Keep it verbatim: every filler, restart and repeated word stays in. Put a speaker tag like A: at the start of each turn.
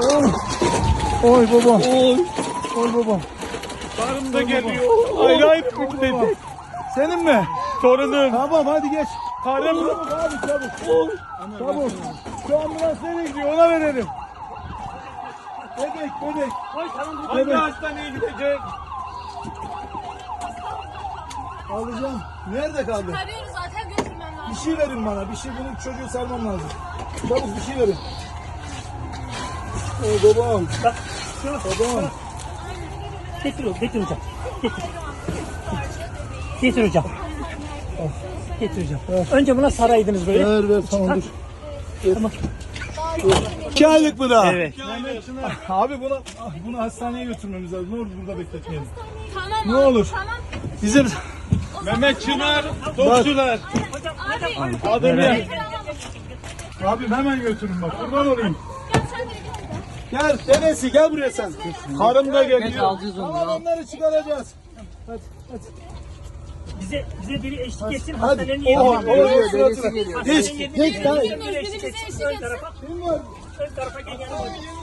A: Oy. Oy babam.
B: Oy.
A: Oy babam.
B: Karım da geliyor. Ayrı ayrı dedi.
A: Senin mi?
B: Torunum.
A: Tamam hadi geç.
B: Karım.
A: Çabuk abi çabuk.
B: Oy.
A: Çabuk. Şu ambulans nereye gidiyor ona verelim. Bebek bebek.
B: Hangi hastaneye gidecek?
A: Alacağım. Nerede kaldı?
C: Arıyoruz zaten götürmem lazım.
A: Bir şey verin bana. Bir şey bunun çocuğu sarmam lazım. Çabuk bir şey verin. Oy babam. Babam.
D: Getir hocam, getir hocam. Getir. Getir hocam. Getir hocam. Önce buna saraydınız böyle.
A: Ver ver tamam dur. İki aylık mı daha?
D: Evet.
A: Abi bunu bunu hastaneye götürmemiz lazım. Ne olur burada bekletmeyelim.
C: Tamam
A: Ne
C: abi,
A: olur.
C: Tamam.
A: Bizim
B: Mehmet Çınar. Dokçular.
C: Abi.
B: Adım ya.
A: abim hemen götürün bak. Kurban olayım.
C: Gel sen de gel.
A: Gel dedesi gel buraya sen.
B: Karım da geliyor.
A: Tamam onları çıkaracağız. Hadi hadi.
D: Bize bize biri eşlik etsin.
A: Hadi.
D: Hastanenin
A: Oha,
D: yerine.
A: oha, suratına. Geç. Geç.
D: Ön
A: Tamam.
C: Birimize eşlik
D: tarafa,
C: etsin.
A: Kim var?
D: ön tarafa gel yanıma.